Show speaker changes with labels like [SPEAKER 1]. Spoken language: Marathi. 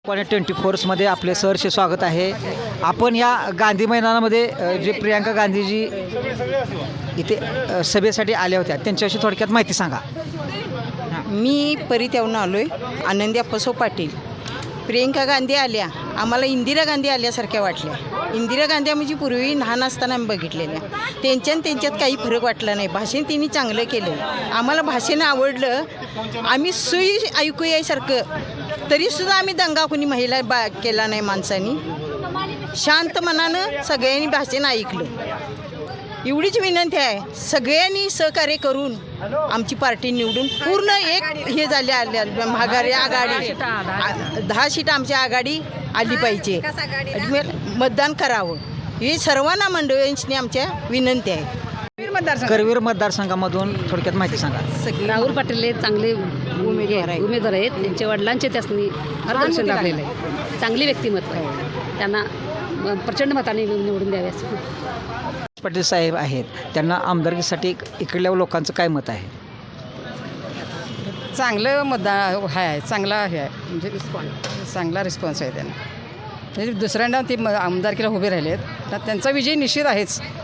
[SPEAKER 1] 24मध्ये आपले सहर्ष स्वागत आहे. आपण या गांधी मैदानामध्ये जे प्रियांका गांधीजी इथे सभेसाठी आल्या होत्या त्यांच्याविषयी थोडक्यात माहिती सांगा.
[SPEAKER 2] मी परित्यावरून आलो आहे. आनंदी अप्पासो पाटील. प्रियंका गांधी आल्या, आम्हाला इंदिरा गांधी आल्यासारख्या वाटल्या. इंदिरा गांधी म्हणजे पूर्वी लहान असताना आम्ही बघितलेल्या. त्यांच्यात काही फरक वाटला नाही. भाषण तिने चांगलं केलं, आम्हाला भाषण आवडलं. आम्ही सुई ऐकू यासारखं, तरीसुद्धा आम्ही दंगा कोणी महिला केला नाही. माणसांनी शांत मनानं सगळ्यांनी भाषण ऐकलं. एवढीच विनंती आहे, सगळ्यांनी सहकार्य करून आमची पार्टी निवडून पूर्ण एक हे झाले आघाडी 10 सीट आमच्या आघाडी आली पाहिजे. मतदान करावं ही सर्वांना मंडळींची आमच्या विनंती आहे.
[SPEAKER 1] करवीर मतदारसंघामधून थोडक्यात माहिती सांगा.
[SPEAKER 3] राहुल पाटील हे चांगले उमेदवार आहेत. त्यांच्या वडिलांचे त्यासनी मार्गदर्शन लाभलेलं आहे. चांगली व्यक्तिमत्व आहे. त्यांना प्रचंड मताने निवडून द्यावे असं
[SPEAKER 1] पाटील साहेब आहेत, त्यांना आमदारकीसाठी इकडल्या लोकांचं काय मत आहे?
[SPEAKER 4] चांगलं मतदान आहे, चांगला हे आहे, म्हणजे चांगला रिस्पॉन्स आहे त्यांना. म्हणजे दुसऱ्यांदा ते आमदारकीला उभे राहिले आहेत तर त्यांचा विजय निश्चित आहेच.